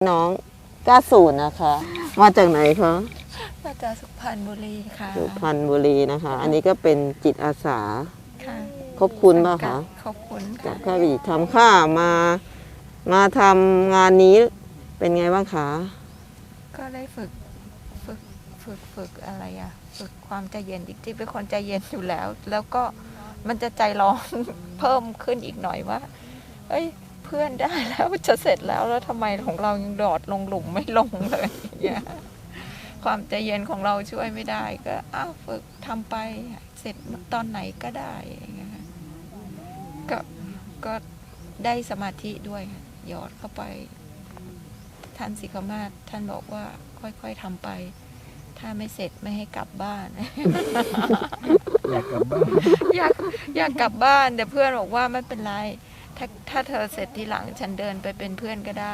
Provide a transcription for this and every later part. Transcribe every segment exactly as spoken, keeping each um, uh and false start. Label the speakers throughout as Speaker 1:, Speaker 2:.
Speaker 1: น้องก้าศูนย์นะคะมาจากไหนคะ
Speaker 2: มาจากสุพรรณบุรีค่ะ
Speaker 1: สุพรรณบุรีนะคะอันนี้ก็เป็นจิตอาสา
Speaker 2: ค่ะ
Speaker 1: ขอบคุณป่ะคะ
Speaker 2: ขอบคุณ
Speaker 1: จากข้าวีทำข้ามามาทำงานนี้เป็นไงบ้างคะ
Speaker 2: ก็ได้ฝึกฝึกฝึกฝึกอะไรอะฝึกความใจเย็นจริงๆเป็นคนใจเย็นอยู่แล้วแล้วก็มันจะใจร้อนเพิ่มขึ้นอีกหน่อยว่าเอ้ยเพื่อนได้แล้วจะเสร็จแล้วแล้วทำไมของเรายังดอดลงหลุมไม่ลงเลยเนี่ยความใจเย็นของเราช่วยไม่ได้ก็อ้าวฝึกทำไปเสร็จตอนไหนก็ได้อย่างเงี้ยก็ก็ได้สมาธิด้วยหยอดเข้าไปท่านศิขมาศท่านบอกว่าค่อยๆทำไปถ้าไม่เสร็จไม่ให้กลับบ้าน
Speaker 3: อยากกลับบ้าน
Speaker 2: อยากอยากกลับบ้านแต่เพื่อนบอกว่าไม่เป็นไรถ้าถ้าเธอเสร็จทีหลังฉันเดินไปเป็นเพื่อนก็ได้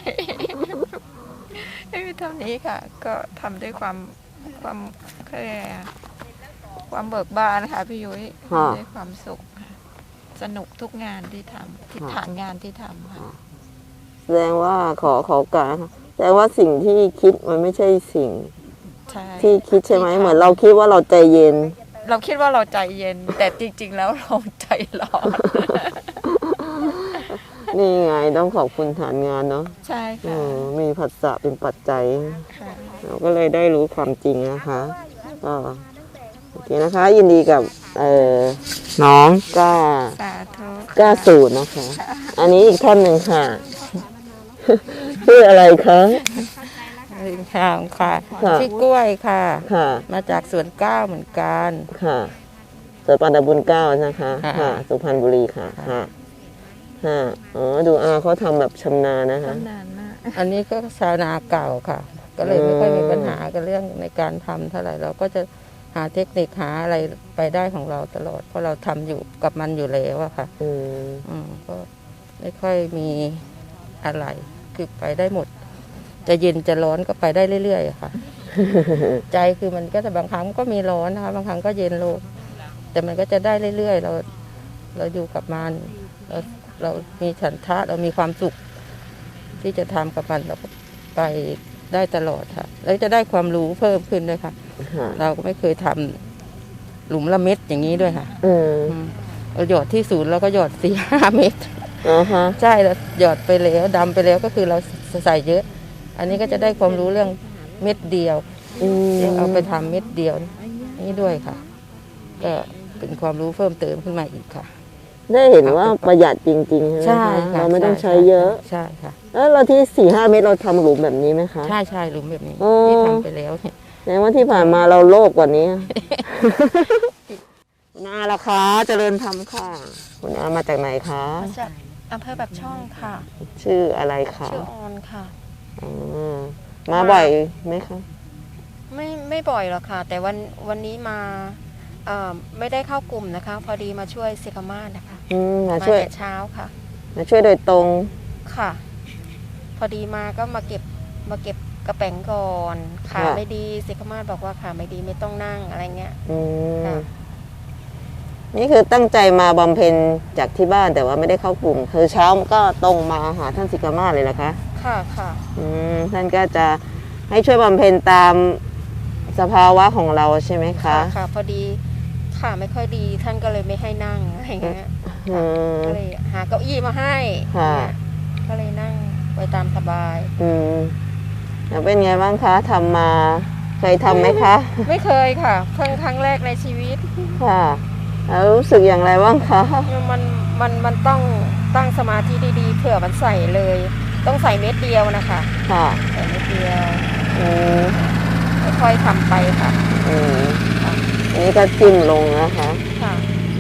Speaker 2: ไม่มีเท่านี้ค่ะก็ทำด้วยความความความเบิกบานค่ะพี่ยุ้ยด้วยความสุขสนุกทุกงานที่ทำทิศทางงานที่ทำค่ะ
Speaker 1: แสดงว่าขอขอการแสดงว่าสิ่งที่คิดมันไม่ใช่สิ่งที่คิดใช่ไหมเหมือนเราคิดว่าเราใจเย็น
Speaker 2: เราคิดว่าเราใจเย็นแต่จริงๆแล้วเราใจร้อน
Speaker 1: นี่ไงต้องขอบคุณฐานงานเนาะ
Speaker 2: ใช่ค่ะ
Speaker 1: มีผัสสะเป็นปัจจัยเราก็เลยได้รู้ความจริงนะคะก็โอเคนะคะยินดีกับน้องก้าก้าศูนย์นะคะอันนี้อีกท่านหนึ่งค่ะชื่ออะไรคะ
Speaker 4: ลิงทางค่ะชื่อกล้วยค่ะมาจากสวนเก้าเหมือนกัน
Speaker 1: ค่ะสวนปานบุญเก้านะคะค่ะสุพรรณบุรีค่ะค่ะค่ะอ๋อดูอาเขาทำแบบชำนาญนะคะ
Speaker 2: ชำนาญมาก
Speaker 4: อันนี้ก็ชาวนาเก่าค่ะก็เลยไม่ค่อยมีปัญหากับเรื่องในการทำเท่าไหร่เราก็จะหาเทคนิคหาอะไรไปได้ของเราตลอดเพราะเราทำอยู่กับมันอยู่แล้วอะค่ะอืมอืมก็ไม่ค่อยมีอะไรคือไปได้หมดจะเย็นจะร้อนก็ไปได้เรื่อยๆค่ะใจคือมันก็จะบางครั้งก็มีร้อนนะคะบางครั้งก็เย็นลงแต่มันก็จะได้เรื่อยๆเราเราอยู่กับมันเราเรามีฉันทะเรามีความสุขที่จะทำกับมันเราก็ไปได้ตลอดค่ะแล้วจะได้ความรู้เพิ่มขึ้นด้วยค่ะเราก็ไม่เคยทำหลุมละเม็ดอย่างนี้ด้วยค่ะเราหยอดที่ศูนย์เราก็หยอดสี่ห้าเม็ดใช่แล้วหยอดไปแล้วดำไปแล้วก็คือเราใส่เยอะอันนี้ก็จะได้ความรู้เรื่องเม็ดเดียวเอาไปทำเม็ดเดียวนี่ด้วยค่ะก็เป็นความรู้เพิ่มเติมขึ้นมาอีกค่ะ
Speaker 1: ได้เห็นว่าประหยัดจริงๆใช่ไหมคะเราไม่ต้องใช้เยอะ
Speaker 4: ใช่ค่ะ
Speaker 1: แล้วเราที่สี่ห้าเม็ดเราทำหลุมแบบนี้ไหมคะ
Speaker 4: ใช่ใช่หลุมแบบนี้ที่ทำไปแล้วเนี่ย
Speaker 1: แสดงว่าที่ผ่านมาเราโลภกว่านี้คุณอาล่ะคะเจริญธรรมค่ะคุณอามาจากไหนคะ
Speaker 2: มาจากอำเภอแบบช่องค่ะ
Speaker 1: ชื่ออะไรคะ
Speaker 2: ชื่อออนค่ะ
Speaker 1: มาบ่อยไหมคะ
Speaker 2: ไม่ไม่บ่อยหรอกค่ะแต่วันวันนี้มาไม่ได้เข้ากลุ่มนะคะพอดีมาช่วยศิขมาศนะคะ
Speaker 1: มาช่วย
Speaker 2: เช้าค่ะ
Speaker 1: มาช่วยโดยตรง
Speaker 2: ค่ะพอดีมาก็มาเก็บมาเก็บกระแป้งก่อนขาไม่ดีศิขมาศบอกว่าขาไม่ดีไม่ต้องนั่งอะไรเงี้ย
Speaker 1: นี่คือตั้งใจมาบำเพ็ญจากที่บ้านแต่ว่าไม่ได้เข้ากลุ่มคือเช้าก็ตรงมาหาท่านศิขมาศเลยเหรอคะ
Speaker 2: ค่ะค่ะ
Speaker 1: อืมท่านก็จะให้ช่วยบำเพ็ญตามสภาวะของเราใช่ไหมคะ
Speaker 2: ค่ะพอดีขาไม่ค่อยดีท่านก็เลยไม่ให้นั่งอะไรเงี้ยก็เลยหาเก้าอี้มาให้ก็เลยนั่งไปตามสบาย
Speaker 1: อืมแล้วเป็นไงบ้างคะทำมาเคยทำไหมคะ
Speaker 2: ไม่เคยค่ะเพิ่งครั้งแรกในชีวิต
Speaker 1: ค่ะแล้วรู้สึกอย่างไรบ้างคะ
Speaker 2: มันมันมันต้องตั้งสมาธิดีๆเผื่อมันใส่เลยต้องใส่เม็ดเดียวนะคะ
Speaker 1: ค่ะ
Speaker 2: ใส่เม็ดเดียวค่อยๆทำไปค่ะ
Speaker 1: อืมอันนี้ก็จิ้มลงนะคะ
Speaker 2: ค่ะ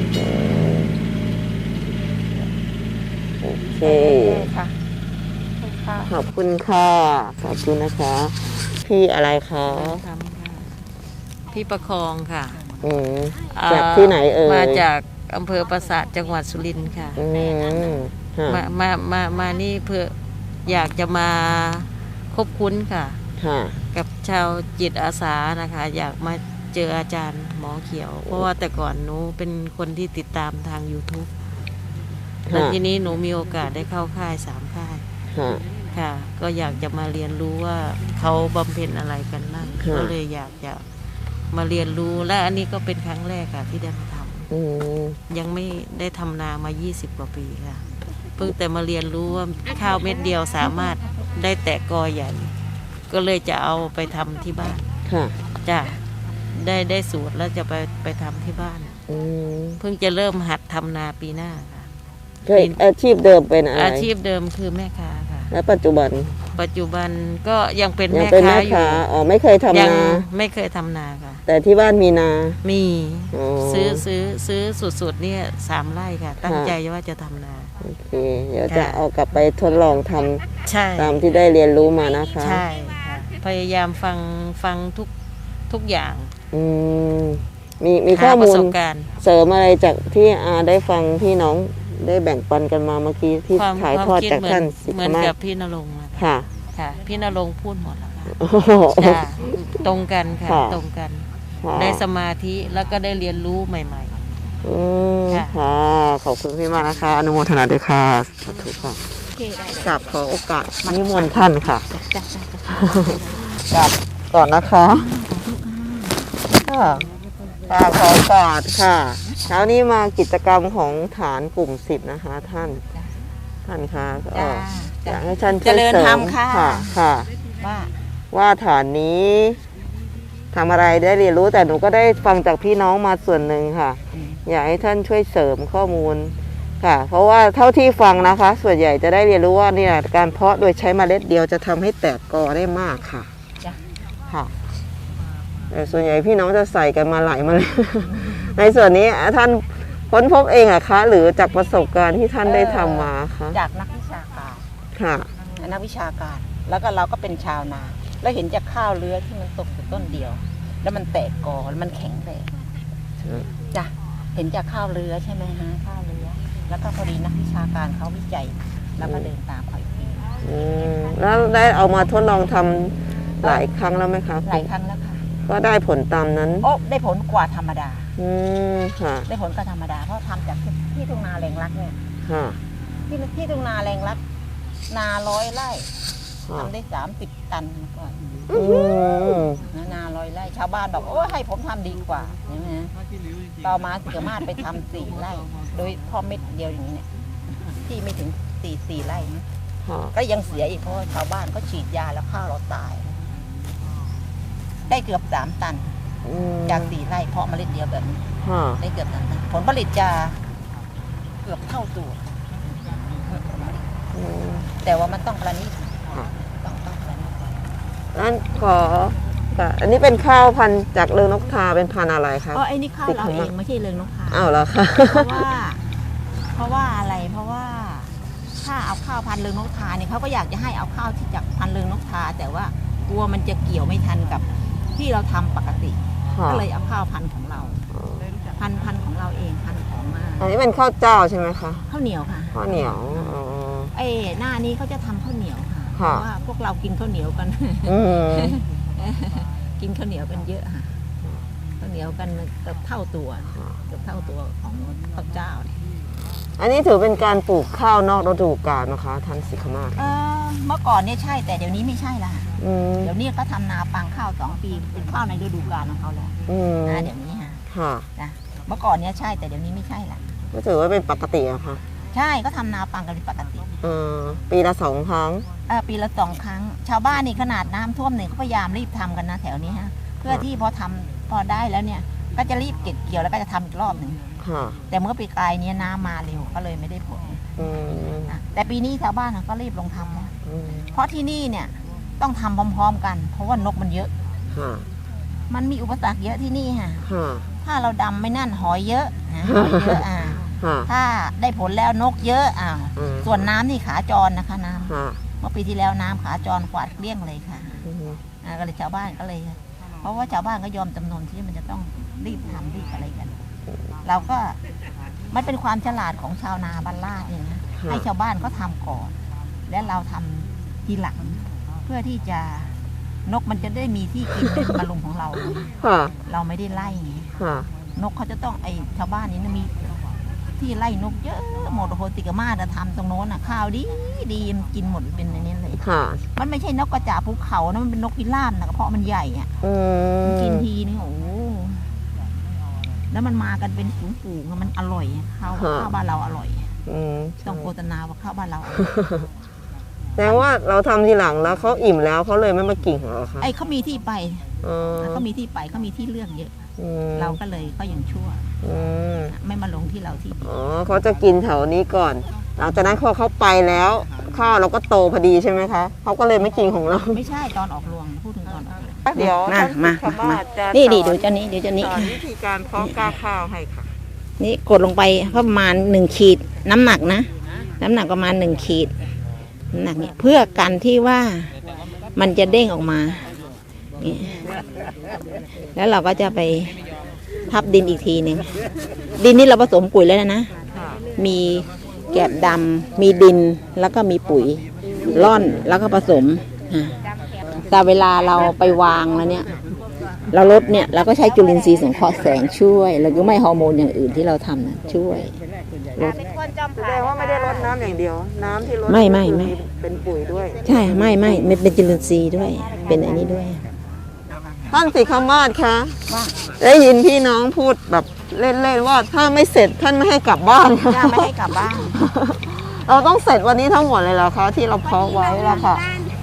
Speaker 1: โอเค
Speaker 2: ค่ะ
Speaker 1: ขอบคุณค่ะขอบคุณนะคะพี่อะไรคะ
Speaker 4: พี่ประคองค่ะ
Speaker 1: จากที่ไหนเอ่ย
Speaker 4: มาจากอำเภอปราสาทจังหวัดสุรินทร์ค่ะมามามามานี่เพื่ออยากจะมาคบคุ้นค่ะกับชาวจิตอาสานะคะอยากมาเจออาจารย์หมอเขียวเพราะว่าแต่ก่อนหนูเป็นคนที่ติดตามทาง ยูทูบ แล้วทีนี้หนูมีโอกาสได้เข้าค่ายสามค่าย
Speaker 5: ค่ะ ก็อยากจะมาเรียนรู้ว่าเขาบำเพ็ญอะไรกันบ้าง
Speaker 1: ค่ะ
Speaker 5: ก็เลยอยากจะมาเรียนรู้และอันนี้ก็เป็นครั้งแรกค่ะที่ได้มาทำ
Speaker 1: อืม
Speaker 5: ยังไม่ได้ทำนามา ยี่สิบ กว่าปีค่ะ เพิ่งแต่มาเรียนรู้ว่าข้าวเม็ดเดียวสามารถได้แตกกอใหญ่ ก็เลยจะเอาไปทำที่บ้าน
Speaker 1: ค่ะ
Speaker 5: จ้ะได้ได้สูตรแล้วจะไปไปทำที่บ้าน
Speaker 1: อืม
Speaker 5: เพิ่งจะเริ่มหัดทำนาปีหน้าค่ะ
Speaker 1: เคยอาชีพเดิมเป็นอะไร
Speaker 5: อาชีพเดิมคือแม่ค้าค่ะ
Speaker 1: และปัจจุบัน
Speaker 5: ปัจจุบันก็ยังเป็น
Speaker 1: ยัง
Speaker 5: แม่
Speaker 1: เป็น
Speaker 5: ค้า
Speaker 1: แม่
Speaker 5: อยู่
Speaker 1: ค้าอ๋อไม่เคยทำ
Speaker 5: ยัง
Speaker 1: นา
Speaker 5: ไม่เคยทำนาค่ะ
Speaker 1: แต่ที่บ้านมีนา
Speaker 5: มี
Speaker 1: อ๋อ
Speaker 5: ซื้อซื้อซื้อสุดๆเนี่ยสามไร่ค่ะ ตั้ง
Speaker 1: ค่ะ
Speaker 5: ใจว่าจะทำนา
Speaker 1: โอเค เดี๋ยวจะ
Speaker 5: ค่ะ
Speaker 1: เอากลับไปทดลองทำ
Speaker 5: ใช่
Speaker 1: ตามที่ได้เรียนรู้มานะคะ
Speaker 5: ใช่ค่ะพยายามฟังฟังทุกทุกอย่าง
Speaker 1: อืมมีมีข้
Speaker 5: หา
Speaker 1: อ
Speaker 5: ป
Speaker 1: มู
Speaker 5: ระ
Speaker 1: ล
Speaker 5: สบการณ์
Speaker 1: เสริมอะไรจากที่อาได้ฟังพี่น้องได้แบ่งปันกันมาเมื่อกี้ที่
Speaker 5: ความ
Speaker 1: ถ่าย
Speaker 5: ความ
Speaker 1: ทอด
Speaker 5: คิด
Speaker 1: จาก
Speaker 5: เหมือ
Speaker 1: ท่าน นสิ
Speaker 5: เหมื
Speaker 1: ก
Speaker 5: อน
Speaker 1: มา
Speaker 5: กับ
Speaker 1: ศ
Speaker 5: พี่นรงค์อะ
Speaker 1: ค่ะ
Speaker 5: ค่ะ พี่นรงค์พูดหมดแล้วค่ะ
Speaker 1: โอ้โห
Speaker 5: จ้ะตรงกันค่ะ
Speaker 1: ค่ะ
Speaker 5: ตรงกัน
Speaker 1: ค่ะ
Speaker 5: ได้สมาธิแล้วก็ได้เรียนรู้ใหม่
Speaker 1: อืม
Speaker 5: ค่ะ
Speaker 1: ค่ะ ขอบคุณพี่มากนะคะ อนุโมทนาด้วยค่ะสาธุค่ะกราบขอโอกาสนิมนต์ท่านค่ะกราบก่อนนะคะค่ะกราบขอโอกาสค่ะ เช้านี้มากิจกรรมของฐานกลุ่มสิบนะคะ ท่าน ท่านคะก็
Speaker 2: จ้า
Speaker 1: อยากให้ท่านช่วย
Speaker 2: เจริญ
Speaker 1: เสริ
Speaker 2: ธรร
Speaker 1: ม
Speaker 2: มค่ะ
Speaker 1: ค่ะค่ะ
Speaker 2: ว่า
Speaker 1: ว่าฐานนี้ทำอะไรได้เรียนรู้แต่หนูก็ได้ฟังจากพี่น้องมาส่วนหนึ่งค่ะ อยากให้ท่านช่วยเสริมข้อมูลค่ะ เพราะว่าเท่าที่ฟังนะคะ ส่วนใหญ่จะได้เรียนรู้ว่าเนี่ยการเพาะโดยใช้เมล็ดเดียวจะทำให้แตกกอได้มากค่ะ
Speaker 2: จ้ะ
Speaker 1: ค่ะแต่ส่วนใหญ่พี่น้องจะใส่กันมาหลายเมล็ด ในส่วนนี้ท่านค้นพบเองอะคะ หรือจากประสบการณ์ที่ท่านได้ทำมาคะ
Speaker 6: จากนักวิชาการ
Speaker 1: ค่ะ
Speaker 6: นักวิชาการ แล้วก็เราก็เป็นชาวนา แล้วเห็นจากข้าวเลื้อยที่มันตกอยู่ต้นเดียว แล้วมันแตกกอแล้วมันแข็งแรง
Speaker 1: อืม
Speaker 6: จ้ะเห็นจากข้าวเลื้อยใช่ไหมฮะข้าวเลื้อยแล้วก็พอดีนักวิชาการเขาวิจัย แล้วก็เดินตามเขาอีกที
Speaker 1: อืมแล้วได้เอามาทดลองทำหลายครั้งแล้วไหมคะ
Speaker 6: หลายครั้งแล้วค่ะ
Speaker 1: ก็ได้ผลตามนั้น
Speaker 6: โอ้ได้ผลกว่าธรรมดา
Speaker 1: อืมค่ะ
Speaker 6: ได้ผลกว่าธรรมดา เพราะทำจากที่ที่ทุ่งนาแรงรักเนี่ย
Speaker 1: ค่ะ
Speaker 6: ที่ที่ทุ่งนาแรงรัก นาร้อยไร่
Speaker 1: ค่ะ
Speaker 6: ทำได้สามสิบตันก่อน
Speaker 1: อืม
Speaker 6: นานาร้อยไร่ชาวบ้านบอกโอ้ยให้ผมทำดีกว่าใช่ไหมฮะต่อมาสามารถไปทำสี่ไร่ โดยพ่อเม็ดเดียวอย่างนี้เนี่ยที่ไม่ถึงสี่สี่ไร่นะ
Speaker 1: ค่ะ
Speaker 6: ก็ยังเสียอีกเพราะว่าชาวบ้านก็ฉีดยาแล้วข้าวเราตาย ได้เกือบสามตัน
Speaker 1: อืม
Speaker 6: จากสี่ไร่เพาะเมล็ดเดียวแบบนี้
Speaker 1: ค่ะ
Speaker 6: ได้เกือบสามตันผลผลิตจะเกือบเท่าตัว
Speaker 1: อืม
Speaker 6: แต่ว่ามันต้องประณีต
Speaker 1: ค่ะ
Speaker 6: ต้องต้องประณีต
Speaker 1: งั้นขอค่ะอันนี้เป็นข้าวพันธุ์จากเรืองนกทาเป็นพันธุ์อะไรครับ
Speaker 6: อ๋อไอ้นี่ข้าวเราเองไม่ใช่เรืองนกทา
Speaker 1: อ้าวเหรอคะ
Speaker 6: เพราะว่า เพราะว่าอะไร เพราะว่าถ้าเอาข้าวพันธุ์เรืองนกทาเนี่ยเขาก็อยากจะให้เอาข้าวที่จากพันธุ์เรืองนกทา แต่ว่ากลัวมันจะเกี่ยวไม่ทันกับที่เราทำปกติ
Speaker 1: ค่ะ
Speaker 6: ก็เลยเอาข้าวพันธุ์ของเรา พันธุ์พันธุ์ของเราเองพันธุ์ของมา
Speaker 1: อันนี้เป็นข้าวเจ้าใช่ไหมคะ
Speaker 6: ข้าวเหนียวค่ะ
Speaker 1: ข้าวเหนียวอ๋อ
Speaker 6: เอ้หน้านี้เขาจะทำข้าวเหนียวค่ะเพ
Speaker 1: ค่ะ
Speaker 6: ราะว่าพวกเรากินข้าวเหนียวกัน
Speaker 1: อืม
Speaker 6: กินข้าวเหนียวกันเยอะค่ะข้าวเหนียวกันเกือบเท่าตัวเกือบเท่าตัวของข้าวเจ้าเนี่ย
Speaker 1: อันนี้ถือเป็นการปลูกข้าวนอกฤดูกาลนะคะท่านสิกขมาศ
Speaker 6: เออเมื่อก่อนเนี่ยใช่แต่เดี๋ยวนี้ไม่ใช่ละ
Speaker 1: อืม
Speaker 6: เดี๋ยวนี้ก็ทำนาปังข้าวสองปีเป็นข้าวในฤดูกาลของเขาแล้ว
Speaker 1: อืม
Speaker 6: นะเดี๋ยวนี้ฮะ
Speaker 1: ค่ะ
Speaker 6: นะเมื่อก่อนเนี่ยใช่แต่เดี๋ยวนี้ไม่ใช่ละ
Speaker 1: ก็ถือว่าเป็นปกติอะค่ะ
Speaker 6: ใช่ก็ทำนาปังกันเป็นปกติ
Speaker 1: เออปีละสองครั้ง
Speaker 6: เออปีละสองครั้ง ชาวบ้านนี่ขนาดน้ำท่วมเนี่ยเขาพยายามรีบทำกันนะแถวนี้ฮะเพื่อที่พอทำพอได้แล้วเนี่ยก็จะรีบเก็บเกี่ยวแล้วก็จะทำอีกรอบหนึ่ง
Speaker 1: ค่ะ
Speaker 6: แต่เมื่อปีกลายเนี้น้ำมาเร็วก็เลยไม่ได้ผล
Speaker 1: อืม
Speaker 6: นะแต่ปีนี้ชาวบ้านเขาก็รีบลงทำนะ
Speaker 1: อืม
Speaker 6: เพราะที่นี่เนี่ยต้องทำพร้อมๆกัน เพราะว่านกมันเยอะ
Speaker 1: ค่ะ
Speaker 6: มันมีอุปสรรคเยอะที่นี่ค่ะ
Speaker 1: ค่ะ
Speaker 6: ถ้าเราดำไม่นั่นหอยเยอะนะหอยเยอะอ่า
Speaker 1: ค่ะ
Speaker 6: ถ้าได้ผลแล้วนกเยอะอ้าว
Speaker 1: อืม
Speaker 6: ส่วนน้ำนี่ขาจรนะคะน้ำ
Speaker 1: ค่ะ
Speaker 6: เมื่อปีที่แล้วน้ำขาจรกวาดเกลี้ยงเลยค่ะ
Speaker 1: อืม
Speaker 6: อ่าก็เลยชาวบ้านก็เลย เพราะว่าชาวบ้านก็ยอมจำนนที่มันจะต้องรีบทำรีบอะไรกัน เราก็มันเป็นความฉลาดของชาวนาบ้านลาดเนี่ยนะให้ชาวบ้านก็ทำก่อน และเราทำทีหลัง เพื่อที่จะนกมันจะได้มีที่กินในบรรลุมของเรา
Speaker 1: ค่ะ
Speaker 6: เราไม่ได้ไล่ไง
Speaker 1: ค่ะ
Speaker 6: นกเขาจะต้องไอชาวบ้านนี้นะมีที่ไล่นกเยอะหมดโอ้โหติกามาจะทำตรงโน้นอ่ะข้าวดีดีมันกินหมดเป็นอันนี้เลย
Speaker 1: ค่ะ
Speaker 6: มันไม่ใช่นกกระจาบภูเขานะมันเป็นนกพิราบนะเพราะมันใหญ่อ่ะ
Speaker 1: อื
Speaker 6: มันกิน
Speaker 1: ม
Speaker 6: ทีนี่โอ้โหแล้วมันมากันเป็นฝูงๆอะมันอร่อยข้าวข้าวบ้านเราอร่อย
Speaker 1: อืม
Speaker 6: ต้องโฆษณาว่าข้าวบ้านเรา
Speaker 1: แสดงว่าเราทำทีหลังแล้วเขาอิ่มแล้วเขาเลยไม่มากินของเราค่ะ
Speaker 6: ไอ้เขามีที่ไป
Speaker 1: อ๋อ
Speaker 6: เขามีที่ไปเขามีที่เลือกเยอะ
Speaker 1: อืม
Speaker 6: เราก็เลยก็ยังชั่ว
Speaker 1: อืม
Speaker 6: ไม่มาลงที่เราที่
Speaker 1: อ๋อเขาจะกินแถวนี้ก่อน หลังจากนั้นพอเขาไปแล้ว ข้าวเราก็โตพอดีใช่ไหมคะเขาก็เลยไม่กินของเรา
Speaker 6: ไม่ใช่ตอนออกรวงพูดถึงตอนออกรวง
Speaker 1: เดี๋ยว
Speaker 6: มา
Speaker 1: ท่าน
Speaker 6: มา
Speaker 1: สุขมาศจะ
Speaker 6: นี่ดิ
Speaker 1: สอ
Speaker 6: ดูเจ้านี้เดี๋ยวเจ้านี้
Speaker 1: สอนวิธีการเพาะกล้าข้าวให้ค่ะ
Speaker 6: นี่กดลงไปประมาณหนึ่งขีดน้ำหนักนะ น้ำหนักประมาณหนึ่งขีดน้ำหนักเนี่ยเพื่อกันที่ว่ามันจะเด้งออกมานี่แล้วเราก็จะไปทับดินอีกทีหนึ่งดินนี่เราผสมปุ๋ยแล้วนะ มีแกบดำมีดินแล้วก็มีปุ๋ยร่อนแล้วก็ผสมอ่ะแต่เวลาเราไปวางแล้วเนี่ย เราลดเนี่ยเราก็ใช้จุลินทรีย์สังเคราะห์แสงช่วยแล้วก็ไม่ฮอร์โมนอย่างอื่นที่เราทำนะช่วยลด
Speaker 1: แสดงว่าไม่ได้รดน้ำอย่างเดียว น้ำที่รด
Speaker 6: ไม่ไม่ไม่
Speaker 1: เป็นปุ๋ยด้วย
Speaker 6: ใช่ไม่ไม่ไม่เป็นจุลินทรีย์ด้วย เป็นอันนี้ด้วย
Speaker 1: ท่านสิขมาศคะได้ยินพี่น้องพูดแบบเล่นๆว่าถ้าไม่เสร็จท่านไม่ให้กลับบ้าน
Speaker 6: ย่าไม่ให้กลับบ้าน
Speaker 1: เราต้องเสร็จวันนี้ทั้งหมดเลยเหรอคะที่เราเพาะไว้แล้วค่ะ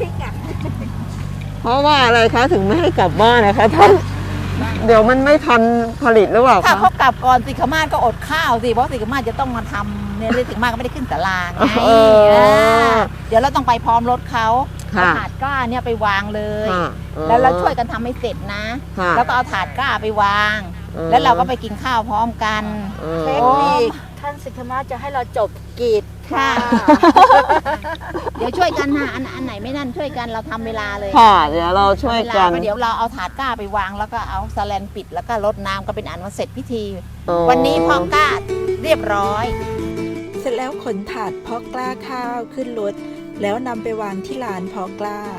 Speaker 1: เพราะว่าอะไรคะถึงไม่ให้กลับบ้านนะคะท่านเดี๋ยวมันไม่ทันผลิตหรือเปล่า
Speaker 6: ถ้า
Speaker 1: คะ
Speaker 6: เขากลับก่อนสิขมาศก็อดข้าวสิเพราะสิขมาศจะต้องมาทำเนี่ยสิขมาศก็ไม่ได้ขึ้นศาลาไง
Speaker 1: เออ
Speaker 6: อ่าเดี๋ยวเราต้องไปพร้อมรถเขา
Speaker 1: ค่ะ
Speaker 6: เอาถาดกล้าเนี่ยไปวางเลย
Speaker 1: ค่ะ
Speaker 6: แล้วเราช่วยกันทำให้เสร็จนะ
Speaker 1: ค่ะ
Speaker 6: แล้วก็เอาถาดกล้าไปวาง
Speaker 1: เออ
Speaker 6: แล้วเราก็ไปกินข้าวพร้อมกัน
Speaker 1: เออ
Speaker 6: เทคนิค
Speaker 2: ท่านสิทธมาจะให้เราจบกีด
Speaker 6: ค่ะ เดี๋ยวช่วยกันนะอันอันไหนไม่นั่นช่วยกันเราทำเวลาเลย
Speaker 1: ค่ะเดี๋ยวเราช่วย
Speaker 6: เวลา
Speaker 1: กัน
Speaker 6: ไปเดี๋ยวเราเอาถาดกล้าไปวางแล้วก็เอาสแลนปิดแล้วก็รดน้ำก็เป็นอันว่าเสร็จพิธี
Speaker 1: อ๋อ
Speaker 6: วันนี้พอกล้าเรียบร้อย
Speaker 7: เสร็จแล้วขนถาดเพาะกล้าข้าวขึ้นรถแล้วนำไปวางที่ลานเพาะกล้า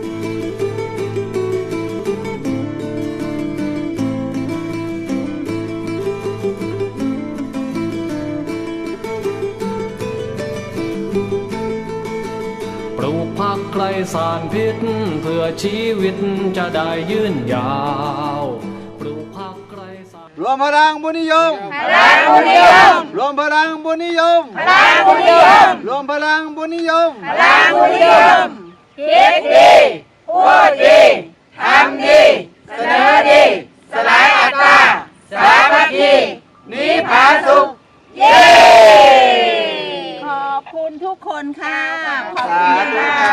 Speaker 8: ปลูกผักไกลสารพิษเพื่อชีวิตจะได้ยืนยาวปลูกผักไกลสาร
Speaker 3: รวมพลังบุญนิยมพลังบุญนิยมรวมพลังบุญนิยมพลังบุญนิยมรวมพลังบุญนิยมพลังบุญนิยมคิดดีพูดดีทำดีเสนอดีสลายอัตตาสามัคคีนิพพานสุขเย้
Speaker 6: ขอบคุณทุกคนค่ะ ขอบคุณค่ะ